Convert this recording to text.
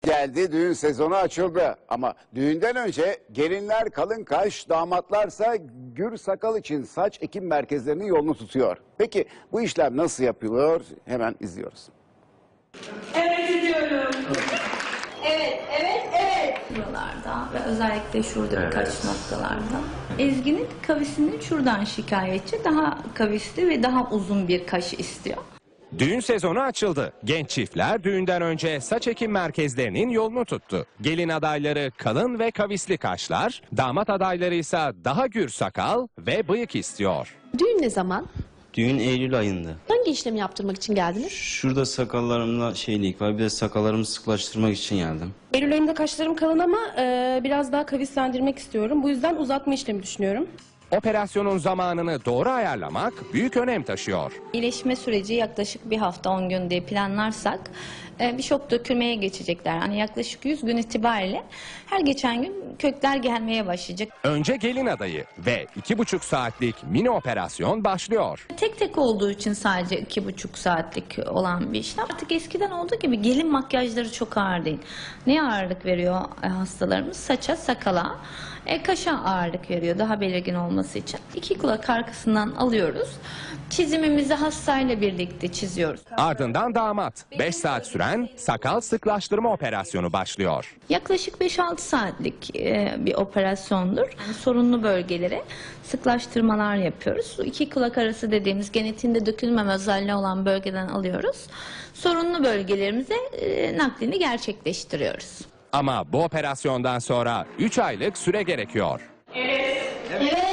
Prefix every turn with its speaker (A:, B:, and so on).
A: Geldi, düğün sezonu açıldı ama düğünden önce gelinler kalın kaş, damatlarsa gür sakal için saç ekim merkezlerinin yolunu tutuyor. Peki bu işlem nasıl yapılıyor? Hemen izliyoruz.
B: Evet ediyorum.
C: Evet.
D: Buralarda ve özellikle şurada birkaç noktalarda. Ezgi'nin kavisinin şuradan şikayetçi. Daha kavisli ve daha uzun bir kaş istiyor.
E: Düğün sezonu açıldı. Genç çiftler düğünden önce saç ekim merkezlerinin yolunu tuttu. Gelin adayları kalın ve kavisli kaşlar, damat adayları ise daha gür sakal ve bıyık istiyor.
C: Düğün ne zaman?
F: Düğün Eylül ayında.
C: Hangi işlemi yaptırmak için geldiniz?
F: Şurada sakallarımda şeylik var, bir de sakallarımı sıklaştırmak için geldim.
G: Eylül ayında kaşlarım kalın ama biraz daha kavislendirmek istiyorum. Bu yüzden uzatma işlemi düşünüyorum.
E: Operasyonun zamanını doğru ayarlamak büyük önem taşıyor.
D: İyileşme süreci yaklaşık bir hafta 10 gün diye planlarsak bir şok dökülmeye geçecekler. Yani yaklaşık 100 gün itibariyle her geçen gün kökler gelmeye başlayacak.
E: Önce gelin adayı ve 2,5 saatlik mini operasyon başlıyor.
D: Tek tek olduğu için sadece 2,5 saatlik olan bir işlem. Artık eskiden olduğu gibi gelin makyajları çok ağır değil. Neye ağırlık veriyor hastalarımız? Saça, sakala, kaşa ağırlık veriyor daha belirgin olması için. 2 kulak arkasından alıyoruz. Çizimimizi hastayla birlikte çiziyoruz.
E: Ardından damat. 5 saat süren sakal sıklaştırma operasyonu başlıyor.
D: Yaklaşık 5-6 saatlik bir operasyondur. Yani sorunlu bölgelere sıklaştırmalar yapıyoruz. 2 kulak arası dediğimiz genetiğinde dökülmeme özelliği olan bölgeden alıyoruz. Sorunlu bölgelerimize naklini gerçekleştiriyoruz.
E: Ama bu operasyondan sonra 3 aylık süre gerekiyor.
B: Evet.
C: Evet.